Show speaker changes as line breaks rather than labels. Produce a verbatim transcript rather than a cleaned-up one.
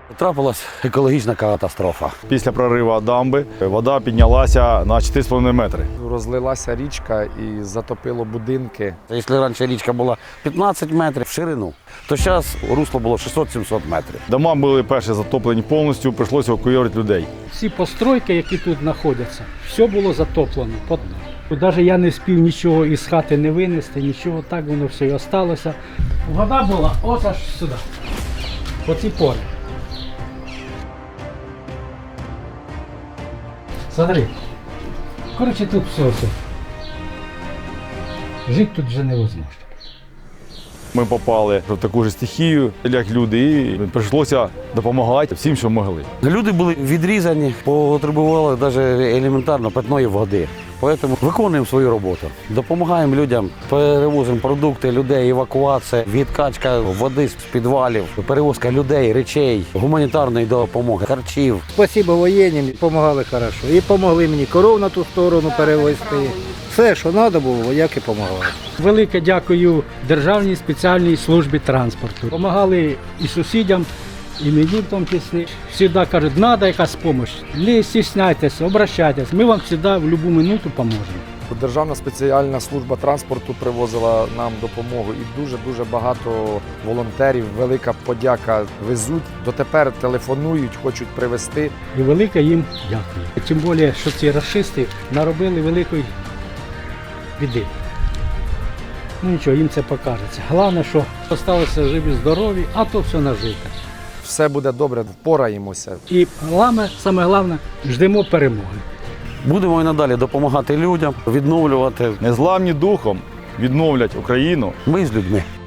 Трапилась екологічна катастрофа.
Після прориву дамби вода піднялася на чотири з половиною метри.
Розлилася річка і затопило будинки.
Якщо раніше річка була п'ятнадцять метрів в ширину, то зараз русло було шістсот-сімсот метрів.
Дома були перші затоплені повністю, прийшлося евакуювати людей.
Всі постройки, які тут знаходяться, все було затоплено. Навіть я не спів нічого із хати не винести, нічого, так воно все і залишилося. Вода була ось аж сюди, по ці пори. Смотри, коротше, тут все, все. Жити тут вже невозможно.
Ми попали в таку ж стихію, як люди, і прийшлося допомагати всім, що могли.
Люди були відрізані, потребували навіть елементарно питної води. Тому виконуємо свою роботу. Допомагаємо людям, перевозимо продукти, людей, евакуація, відкачка води з підвалів, перевозка людей, речей, гуманітарної допомоги, харчів.
Спасибо воєнним, допомагали хорошо. І допомогли мені коров на ту сторону перевезти. Все, що треба було, вояки допомагали.
Велике дякую Державній спеціальній службі транспорту. Помагали і сусідям, і мені в тому числі. Завжди кажуть, треба якась допомога. Не стісняйтеся, обращайтесь. Ми вам завжди в будь-яку минуту поможемо.
Державна спеціальна служба транспорту привозила нам допомогу і дуже-дуже багато волонтерів. Велика подяка везуть. Дотепер телефонують, хочуть привезти.
І велике їм дякую. Тим більше, що ці рашисти наробили великої біди. Ну нічого, їм це покажеться. Головне, що залишилися живі, здорові, а то все нажито.
Все буде добре, впораємося.
І головне, саме головне, ждемо перемоги.
Будемо і надалі допомагати людям, відновлювати.
Незламні духом відновлять Україну.
Ми з людьми.